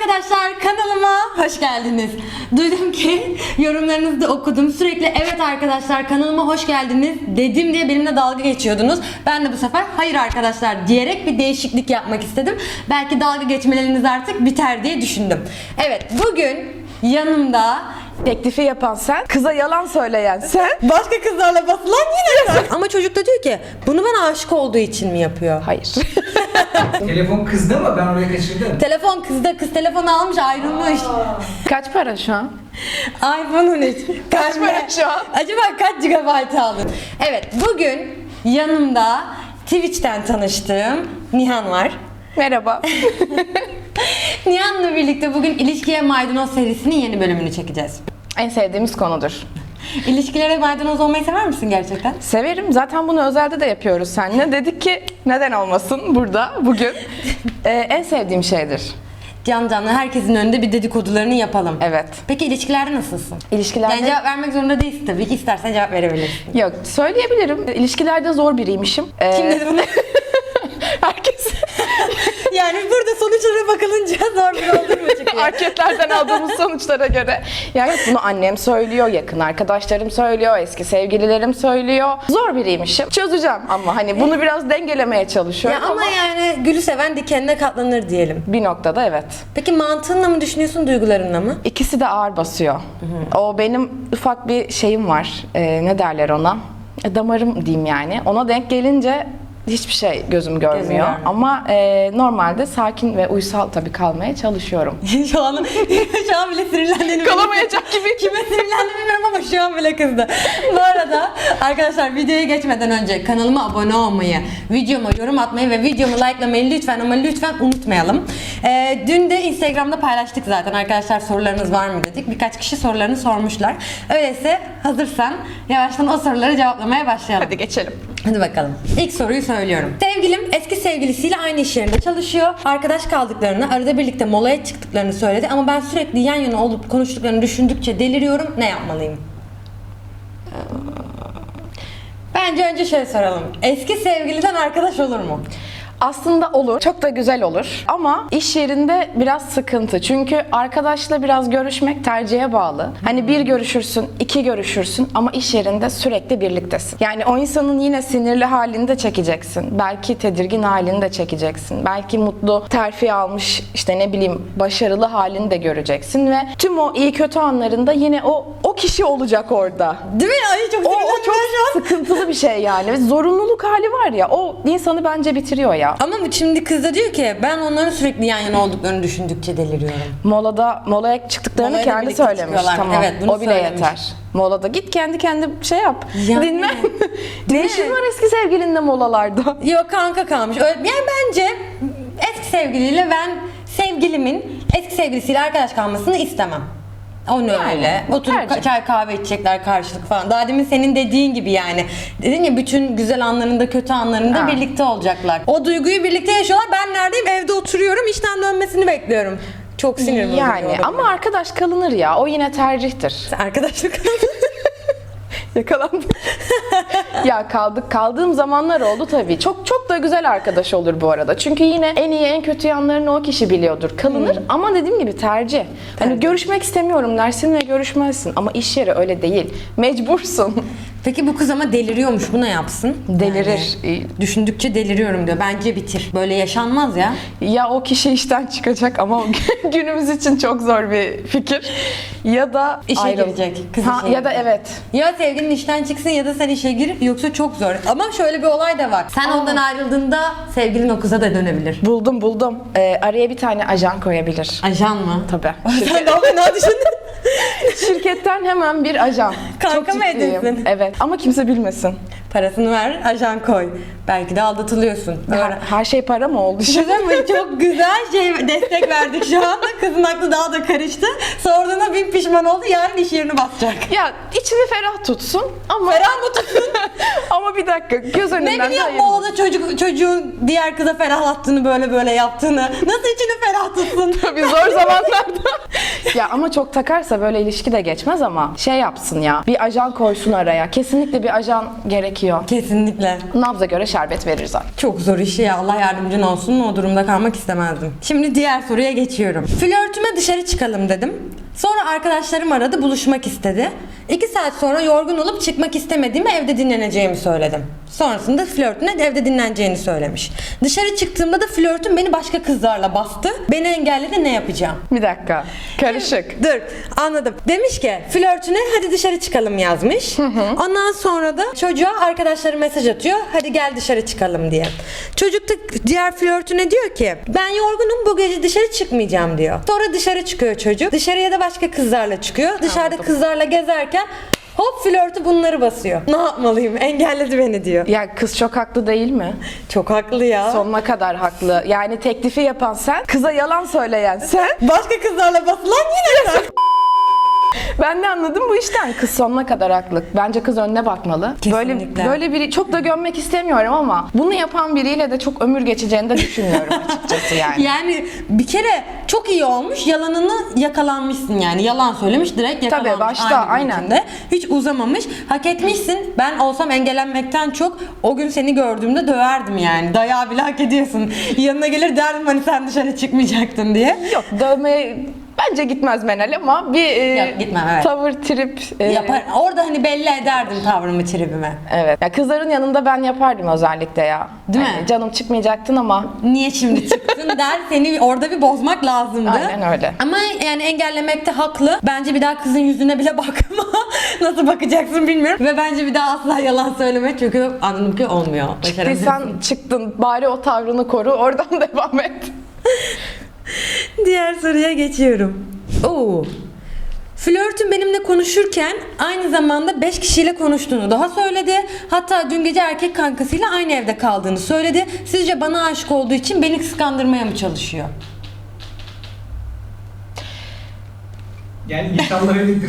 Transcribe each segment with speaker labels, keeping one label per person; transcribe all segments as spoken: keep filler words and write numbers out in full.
Speaker 1: arkadaşlar, kanalıma hoş geldiniz. Duydum ki yorumlarınızı da okudum. Sürekli evet arkadaşlar kanalıma hoş geldiniz dedim diye benimle dalga geçiyordunuz. Ben de bu sefer hayır arkadaşlar diyerek bir değişiklik yapmak istedim. Belki dalga geçmeleriniz artık biter diye düşündüm. Evet, bugün yanımda
Speaker 2: Teklifi yapan sen, kıza yalan söyleyen sen.
Speaker 1: başka kızlarla basılan yine sen. Ama çocuk da diyor ki bunu bana aşık olduğu için mi yapıyor?
Speaker 2: Hayır.
Speaker 3: Telefon kızdı mı? Ben oraya kaçırdım.
Speaker 1: Telefon kızda, kız telefonu almış ayrılmış.
Speaker 2: Kaç para şu an?
Speaker 1: iPhone on üç.
Speaker 2: Kaç para şu an?
Speaker 1: Acaba kaç gigabayt aldın? Evet, bugün yanımda Twitch'ten tanıştığım Nihan var.
Speaker 2: Merhaba.
Speaker 1: Nihan'la birlikte bugün İlişkiye Maydanoz serisinin yeni bölümünü çekeceğiz.
Speaker 2: En sevdiğimiz konudur.
Speaker 1: İlişkilere maydanoz olmayı sever misin gerçekten?
Speaker 2: Severim. Zaten bunu özelde de yapıyoruz seninle. Dedik ki neden olmasın burada bugün. Ee, en sevdiğim şeydir.
Speaker 1: Can canlı herkesin önünde bir dedikodularını yapalım.
Speaker 2: Evet.
Speaker 1: Peki ilişkilerde nasılsın?
Speaker 2: İlişkilerde...
Speaker 1: Yani cevap vermek zorunda değilsin tabii ki. İstersen cevap verebilirsin.
Speaker 2: Yok, söyleyebilirim. İlişkilerde zor biriymişim. Ee,
Speaker 1: Kim dedi bunu?
Speaker 2: Herkes.
Speaker 1: Yani burada sonuçlara bakılınca zor bir olduğu mu çıkıyor?
Speaker 2: Anketlerden aldığımız sonuçlara göre. Yani bunu annem söylüyor, yakın arkadaşlarım söylüyor, eski sevgililerim söylüyor. Zor biriymişim. Çözeceğim ama hani bunu biraz dengelemeye çalışıyorum
Speaker 1: Ya ama yani gülü seven dikenine katlanır diyelim.
Speaker 2: bir noktada evet.
Speaker 1: Peki mantığınla mı düşünüyorsun, duygularınla mı?
Speaker 2: İkisi de ağır basıyor. O benim ufak bir şeyim var. Ee, ne derler ona? E, damarım diyeyim yani. Ona denk gelince hiçbir şey gözüm görmüyor.
Speaker 1: görmüyor.
Speaker 2: Ama e, normalde sakin ve uysal tabii kalmaya çalışıyorum.
Speaker 1: şu an şu an bile sinirlendiğini
Speaker 2: Kalamayacak gibi.
Speaker 1: Kime sinirlendiğimi bilmiyorum ama şu an bile kızdı. Bu arada arkadaşlar videoya geçmeden önce kanalıma abone olmayı, videoma yorum atmayı ve videomu likelamayı lütfen ama lütfen unutmayalım. Ee, dün de Instagram'da paylaştık zaten arkadaşlar, sorularınız var mı dedik. Birkaç kişi sorularını sormuşlar. Öyleyse hazırsan yavaştan o soruları cevaplamaya başlayalım.
Speaker 2: Hadi geçelim.
Speaker 1: Hadi bakalım. İlk soruyu söylüyorum. Sevgilim eski sevgilisiyle aynı iş yerinde çalışıyor. Arkadaş kaldıklarını, arada birlikte molaya çıktıklarını söyledi ama ben sürekli yan yana olup konuştuklarını düşündükçe deliriyorum. Ne yapmalıyım? Bence önce şöyle soralım. Eski sevgiliden arkadaş olur mu?
Speaker 2: Aslında olur. Çok da güzel olur. Ama iş yerinde biraz sıkıntı. Çünkü arkadaşla biraz görüşmek tercihe bağlı. Hani bir görüşürsün, iki görüşürsün ama iş yerinde sürekli birliktesin. Yani o insanın yine sinirli halini de çekeceksin. Belki tedirgin halini de çekeceksin. Belki mutlu, terfi almış, işte ne bileyim başarılı halini de göreceksin ve tüm o iyi kötü anlarında yine o o kişi olacak orada.
Speaker 1: Değil mi? Ay çok
Speaker 2: O, o
Speaker 1: sinirlendim
Speaker 2: çok
Speaker 1: ben şu an.
Speaker 2: sıkıntılı bir şey yani. Ve zorunluluk hali var ya, o insanı bence bitiriyor ya.
Speaker 1: Ama şimdi kız da diyor ki ben onların sürekli yan yana olduklarını düşündükçe deliriyorum.
Speaker 2: Molada molaya çıktıklarını
Speaker 1: Molaya da
Speaker 2: kendi
Speaker 1: birlikte
Speaker 2: söylemiş.
Speaker 1: çıkıyorlar.
Speaker 2: Tamam.
Speaker 1: Evet, bunu
Speaker 2: o bile
Speaker 1: söylemiş.
Speaker 2: yeter. Molada git kendi kendi şey yap.
Speaker 1: Yani.
Speaker 2: Dinle. Ne işin var eski sevgilinle molalarda?
Speaker 1: Yok kanka kalmış. Öyle, yani bence eski sevgiliyle ben sevgilimin eski sevgilisiyle arkadaş kalmasını istemem. Onu
Speaker 2: Yani,
Speaker 1: öyle.
Speaker 2: bu
Speaker 1: Oturup
Speaker 2: tercih.
Speaker 1: çay kahve içecekler karşılık falan. Daha demin senin dediğin gibi yani. Dedin ya bütün güzel anlarında kötü anlarında
Speaker 2: Ha.
Speaker 1: birlikte olacaklar. O duyguyu birlikte yaşıyorlar. Ben neredeyim? Evde oturuyorum. İşten dönmesini bekliyorum. Çok sinir bozucu
Speaker 2: Yani
Speaker 1: olabilir.
Speaker 2: ama arkadaş kalınır ya. O yine tercihtir.
Speaker 1: Arkadaşlık
Speaker 2: Yakalandım. Ya kaldık kaldığım zamanlar oldu tabii. Çok çok da güzel arkadaş olur bu arada. Çünkü yine en iyi en kötü yanlarını o kişi biliyordur. Kalınır ama dediğim gibi tercih. Hani görüşmek istemiyorum dersin ve görüşmezsin ama iş yeri öyle değil. Mecbursun.
Speaker 1: Peki bu kız ama deliriyormuş. Bu ne yapsın?
Speaker 2: Delirir.
Speaker 1: Yani düşündükçe deliriyorum diyor. Bence bitir. Böyle yaşanmaz ya.
Speaker 2: Ya o kişi işten çıkacak ama o günümüz için çok zor bir fikir. Ya da
Speaker 1: İşe
Speaker 2: ayrıl-
Speaker 1: girecek. Kız
Speaker 2: Ha,
Speaker 1: işe
Speaker 2: ya da
Speaker 1: girecek.
Speaker 2: evet.
Speaker 1: Ya sevgilin işten çıksın ya da sen işe gir, yoksa çok zor. Ama şöyle bir olay da var. Sen ondan ayrıldığında sevgilin o kıza da dönebilir.
Speaker 2: Buldum buldum. Ee, araya bir tane ajan koyabilir.
Speaker 1: Ajan mı?
Speaker 2: Tabii.
Speaker 1: Sen daha fena düşündün.
Speaker 2: Şirketten hemen bir ajan.
Speaker 1: Kanka
Speaker 2: Çok
Speaker 1: mı
Speaker 2: ciddiyim.
Speaker 1: edinsin?
Speaker 2: Evet. Ama kimse bilmesin.
Speaker 1: Parasını ver, ajan koy. Belki de aldatılıyorsun. Öyle.
Speaker 2: Her şey para mı oldu şimdi?
Speaker 1: Güzel mi? Çok güzel şey destek verdik şu anda. Kızın aklı daha da karıştı. Sorduğuna bin pişman oldu. Yarın iş yerini basacak.
Speaker 2: Ya içini ferah tutsun ama
Speaker 1: Ferah mı tutsun?
Speaker 2: ama bir dakika göz önünden
Speaker 1: Ne bileyim
Speaker 2: hayır.
Speaker 1: molada çocuk, çocuğun diğer kıza ferahlattığını, böyle böyle yaptığını. Nasıl içini ferah tutsun?
Speaker 2: Tabii zor zamanlarda Ya ama çok takarsa böyle ilişki de geçmez ama şey yapsın ya. Bir ajan koysun araya. Kesinlikle bir ajan gerekiyor.
Speaker 1: Kesinlikle.
Speaker 2: Nabza göre şerbet verir zaten.
Speaker 1: Çok zor iş ya. Allah yardımcın olsun. O durumda kalmak istemezdim. Şimdi diğer soruya geçiyorum. Flörtüme dışarı çıkalım dedim. Sonra arkadaşlarım aradı, buluşmak istedi. İki saat sonra yorgun olup çıkmak istemediğimi, evde dinleneceğimi söyledim. Sonrasında flörtüne evde dinleneceğini söylemiş. Dışarı çıktığımda da flörtüm beni başka kızlarla bastı. Beni engelledi, ne yapacağım?
Speaker 2: Bir dakika. Karışık.
Speaker 1: Dur, anladım. Demiş ki flörtüne hadi dışarı çıkalım yazmış. Ondan sonra da çocuğa arkadaşları mesaj atıyor. Hadi gel dışarı çıkalım diye. Çocuk da diğer flörtüne diyor ki ben yorgunum, bu gece dışarı çıkmayacağım diyor. Sonra dışarı çıkıyor çocuk. Dışarıya da başka kızlarla çıkıyor. Dışarıda
Speaker 2: Anladım.
Speaker 1: kızlarla gezerken hop flörtü bunları basıyor. Ne yapmalıyım? Engelledi beni diyor.
Speaker 2: Ya kız çok haklı değil mi?
Speaker 1: Çok haklı ya.
Speaker 2: Sonuna kadar haklı. Yani teklifi yapan sen, kıza yalan söyleyen sen.
Speaker 1: Başka kızlarla basılan yine sen.
Speaker 2: Ben ne anladım bu işten? Kız sonuna kadar haklı. Bence kız önüne bakmalı.
Speaker 1: Kesinlikle.
Speaker 2: Böyle böyle biri çok da gömmek istemiyorum ama bunu yapan biriyle de çok ömür geçeceğini de düşünmüyorum açıkçası yani.
Speaker 1: Yani bir kere çok iyi olmuş, yalanını yakalanmışsın yani. Yalan söylemiş, direkt yakalanmış.
Speaker 2: Tabii, başta,
Speaker 1: aynı gün
Speaker 2: aynen.
Speaker 1: içinde. Hiç uzamamış. Hak etmişsin. Ben olsam engellenmekten çok o gün seni gördüğümde döverdim yani. Dayağı bile hak ediyorsun. Yanına gelir derdim hani sen dışarı çıkmayacaktın diye.
Speaker 2: Yok, dövmeye bence gitmez Menel ama bir e,
Speaker 1: Yok, gitmem, evet.
Speaker 2: tavır, trip. e,
Speaker 1: Yapar. Orada hani belli ederdim tavrımı, tribimi.
Speaker 2: Evet. Ya kızların yanında ben yapardım özellikle ya.
Speaker 1: Değil
Speaker 2: Hani
Speaker 1: mi?
Speaker 2: Canım çıkmayacaktın ama
Speaker 1: Niye şimdi çıktın der, seni orada bir bozmak lazımdı.
Speaker 2: Aynen öyle.
Speaker 1: Ama yani engellemekte haklı. Bence bir daha kızın yüzüne bile bakma. Nasıl bakacaksın bilmiyorum. Ve bence bir daha asla yalan söyleme çünkü anladım ki olmuyor. Başaramıyorsun.
Speaker 2: çıktıysan çıktın, bari o tavrını koru, oradan devam et.
Speaker 1: Diğer soruya geçiyorum. Oo. Flörtüm benimle konuşurken aynı zamanda beş kişiyle konuştuğunu daha söyledi. Hatta dün gece erkek kankasıyla aynı evde kaldığını söyledi. Sizce bana aşık olduğu için beni kıskandırmaya mı çalışıyor?
Speaker 3: Yani inşallah öyledir.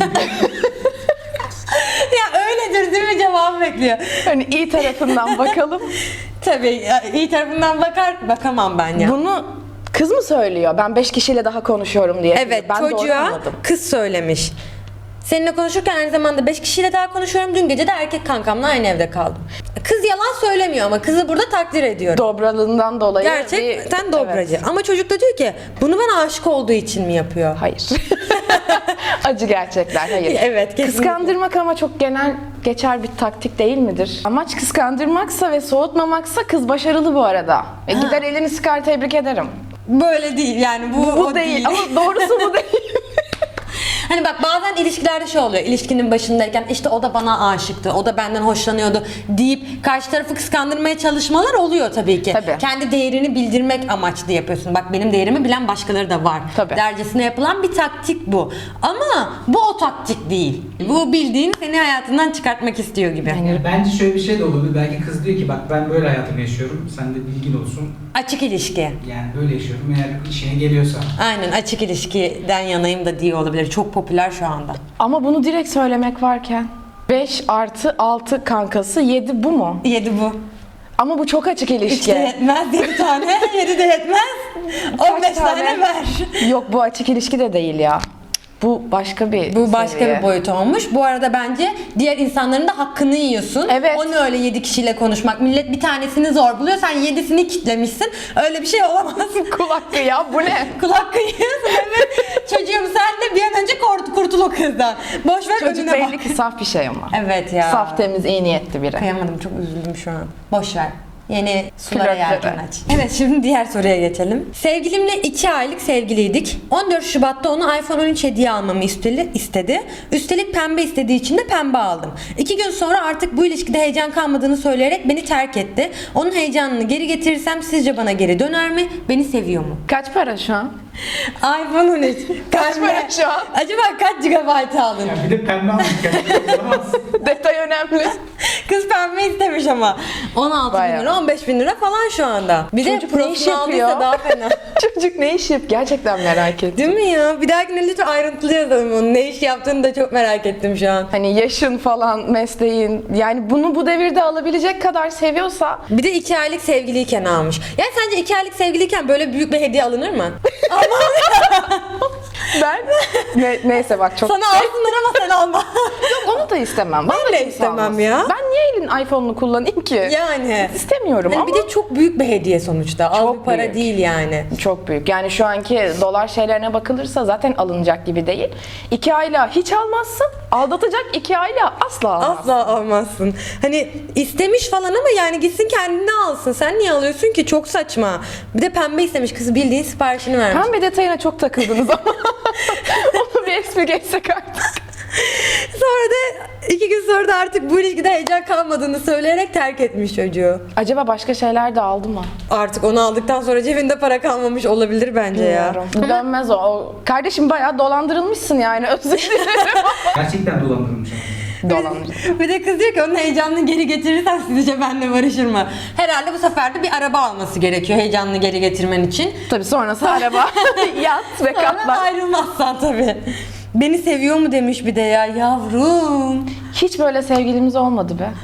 Speaker 1: Ya öyledir değil mi cevabı bekliyor.
Speaker 2: Hani iyi tarafından bakalım.
Speaker 1: Tabii ya, iyi tarafından bakar bakamam ben ya.
Speaker 2: Bunu kız mı söylüyor? Ben beş kişiyle daha konuşuyorum diye.
Speaker 1: Evet,
Speaker 2: ben doğru
Speaker 1: çocuğa
Speaker 2: anladım.
Speaker 1: kız söylemiş. Seninle konuşurken aynı zamanda beş kişiyle daha konuşuyorum. Dün gece de erkek kankamla aynı evde kaldım. Kız yalan söylemiyor ama kızı burada takdir ediyorum.
Speaker 2: Dobralığından dolayı.
Speaker 1: Gerçekten
Speaker 2: bir-
Speaker 1: dobracı.
Speaker 2: Evet.
Speaker 1: Ama çocuk da diyor ki bunu bana aşık olduğu için mi yapıyor?
Speaker 2: Hayır. Acı gerçekler, hayır.
Speaker 1: Evet, kesinlikle.
Speaker 2: Kıskandırmak ama çok genel geçer bir taktik değil midir? Amaç kıskandırmaksa ve soğutmamaksa kız başarılı bu arada. E, gider elini sıkar, tebrik ederim.
Speaker 1: Böyle değil yani bu,
Speaker 2: Bu
Speaker 1: o
Speaker 2: değil ama doğrusu bu değil.
Speaker 1: Hani bak bazen ilişkilerde şey oluyor. İlişkinin başındayken işte o da bana aşıktı, o da benden hoşlanıyordu deyip karşı tarafı kıskandırmaya çalışmalar oluyor tabii ki.
Speaker 2: Tabii.
Speaker 1: Kendi değerini bildirmek amaçlı yapıyorsun. Bak benim değerimi bilen başkaları da var.
Speaker 2: Tabii.
Speaker 1: Dercesine yapılan bir taktik bu. Ama bu o taktik değil. Bu bildiğin seni hayatından çıkartmak istiyor gibi.
Speaker 3: Yani bence şöyle bir şey de olabilir. Belki kız diyor ki bak ben böyle hayatımı yaşıyorum. Sen de bilgin olsun.
Speaker 1: Açık ilişki.
Speaker 3: Yani böyle yaşıyorum. Eğer işine geliyorsa.
Speaker 1: Aynen, açık ilişkiden yanayım da diye olabilir. Çok popüler şu anda.
Speaker 2: Ama bunu direkt söylemek varken. beş artı altı kankası, yedi bu mu?
Speaker 1: Yedi bu.
Speaker 2: Ama bu çok açık ilişki.
Speaker 1: İşte yetmez yedi tane, yedi de yetmez. on beş tane?
Speaker 2: tane?
Speaker 1: ver.
Speaker 2: Yok, bu açık ilişki de değil ya. Bu başka bir
Speaker 1: Bu başka
Speaker 2: seviye.
Speaker 1: bir boyut olmuş. Bu arada bence diğer insanların da hakkını yiyorsun.
Speaker 2: Evet.
Speaker 1: O ne öyle yedi kişiyle konuşmak. Millet bir tanesini zor buluyor. Sen yedisini kitlemişsin. Öyle bir şey olamaz.
Speaker 2: Kul hakkı ya, bu ne?
Speaker 1: Kulak kıyıyorsun. Evet. Çocuğum sen de bir an önce kurt, kurtul o kızdan. Boş ver,
Speaker 2: Çocuk
Speaker 1: önüne
Speaker 2: belli
Speaker 1: bak.
Speaker 2: ki saf bir şey ama.
Speaker 1: Evet ya.
Speaker 2: Saf, temiz, iyi niyetli biri.
Speaker 1: Kıyamadım, çok üzüldüm şu an. Boş ver. Yeni sulara
Speaker 2: Flörtlere.
Speaker 1: yelken aç. Evet, şimdi diğer soruya geçelim. Sevgilimle iki aylık sevgiliydik. on dört Şubat'ta ona iPhone on üç hediye almamı istedi. istedi. Üstelik pembe istediği için de pembe aldım. İki gün sonra artık bu ilişkide heyecan kalmadığını söyleyerek beni terk etti. Onun heyecanını geri getirirsem sizce bana geri döner mi? Beni seviyor mu?
Speaker 2: Kaç para şu an?
Speaker 1: iPhone on üç.
Speaker 2: Kaç
Speaker 1: Pembe.
Speaker 2: para şu an?
Speaker 1: Acaba kaç gigabayt aldın?
Speaker 3: Ya bir de pembe almış. Yani olamaz.
Speaker 2: Detay önemli.
Speaker 1: Kız pembe istemiş ama. on altı bin
Speaker 2: Bayağı.
Speaker 1: lira, on beş bin lira falan şu anda. Bir
Speaker 2: Çocuk
Speaker 1: de
Speaker 2: ne iş
Speaker 1: prosunu aldıysa
Speaker 2: yapıyor?
Speaker 1: daha fena.
Speaker 2: Çocuk ne iş yap? Gerçekten merak ettim.
Speaker 1: Değil mi ya? Bir dahakine lütfen ayrıntılı yazalım onu. Ne iş yaptığını da çok merak ettim şu an.
Speaker 2: Hani yaşın falan, mesleğin, yani bunu bu devirde alabilecek kadar seviyorsa
Speaker 1: Bir de iki aylık sevgiliyken almış. Yani sence iki aylık sevgiliyken böyle büyük bir hediye alınır mı?
Speaker 2: ben Ne, neyse bak çok...
Speaker 1: Sana alsınlar ama sen alma.
Speaker 2: Onu da istemem. Bana
Speaker 1: Ben de
Speaker 2: kimse
Speaker 1: istemem
Speaker 2: almasın.
Speaker 1: ya.
Speaker 2: Ben niye elin iPhone'unu kullanayım ki?
Speaker 1: Yani.
Speaker 2: İstemiyorum
Speaker 1: Hani
Speaker 2: ama...
Speaker 1: bir de çok büyük bir hediye sonuçta. Az
Speaker 2: Çok
Speaker 1: bir para
Speaker 2: büyük.
Speaker 1: değil yani.
Speaker 2: Çok büyük. Yani şu anki dolar şeylerine bakılırsa zaten alınacak gibi değil. İki ayla hiç almazsın. Aldatacak iki ayla asla almazsın.
Speaker 1: Asla almazsın. Hani istemiş falan ama yani gitsin kendine alsın. Sen niye alıyorsun ki? Çok saçma. Bir de pembe istemiş kızı, bildiğin siparişini vermiş.
Speaker 2: Pembe detayına çok takıldınız ama. Onu bir es mi geçsek artık?
Speaker 1: Sonra da iki gün sonra da artık bu ilişkide heyecan kalmadığını söyleyerek terk etmiş çocuğu.
Speaker 2: Acaba başka şeyler de aldı mı?
Speaker 1: Artık onu aldıktan sonra cebinde para kalmamış olabilir bence ya.
Speaker 2: Bilmiyorum. Dönmez o. o. Kardeşim bayağı dolandırılmışsın yani, özür dilerim.
Speaker 3: Gerçekten dolandırılmış ama.
Speaker 2: Dolandırılmış.
Speaker 1: Bir de kız diyor ki onun heyecanını geri getirirsen sizce benimle barışır mı? Herhalde bu sefer de bir araba alması gerekiyor heyecanını geri getirmen için.
Speaker 2: Tabii sonrası araba, yat ve
Speaker 1: Sonra
Speaker 2: katlar.
Speaker 1: ayrılmazsan tabii. Beni seviyor mu demiş bir de ya yavrum.
Speaker 2: Hiç böyle sevgilimiz olmadı be.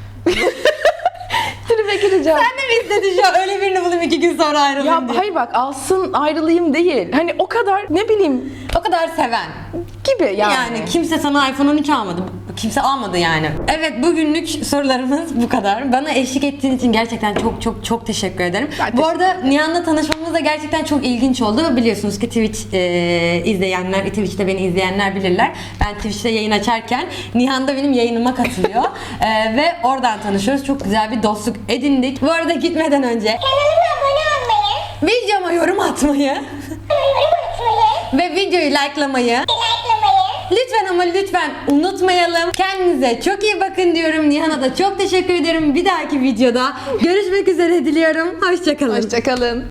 Speaker 2: Tribe gireceğim.
Speaker 1: Sen de mi istedin şu an öyle birini bulayım iki gün sonra ayrılayım
Speaker 2: Ya
Speaker 1: diye.
Speaker 2: hayır bak, alsın ayrılayım değil. Hani o kadar ne bileyim
Speaker 1: O kadar seven.
Speaker 2: gibi yani.
Speaker 1: Yani kimse sana iPhone on üç almadı. Kimse almadı yani. Evet, bugünlük sorularımız bu kadar. Bana eşlik ettiğin için gerçekten çok çok çok teşekkür ederim.
Speaker 2: Ben
Speaker 1: bu arada Nihan'la tanışmamız da gerçekten çok ilginç oldu. Biliyorsunuz ki Twitch e, izleyenler, Twitch'te beni izleyenler bilirler. Ben Twitch'te yayın açarken Nihan da benim yayınıma katılıyor. e, ve oradan tanışıyoruz. Çok güzel bir dostluk edindik. Bu arada gitmeden önce
Speaker 4: Kanalıma abone olmayı,
Speaker 1: videoma yorum atmayı
Speaker 4: yorum atmayı,
Speaker 1: ve videoyu likelamayı
Speaker 4: likelamayı,
Speaker 1: lütfen ama lütfen unutmayalım. Kendinize çok iyi bakın diyorum. Nihan'a da çok teşekkür ederim. Bir dahaki videoda görüşmek üzere diliyorum. Hoşçakalın.
Speaker 2: Hoşçakalın.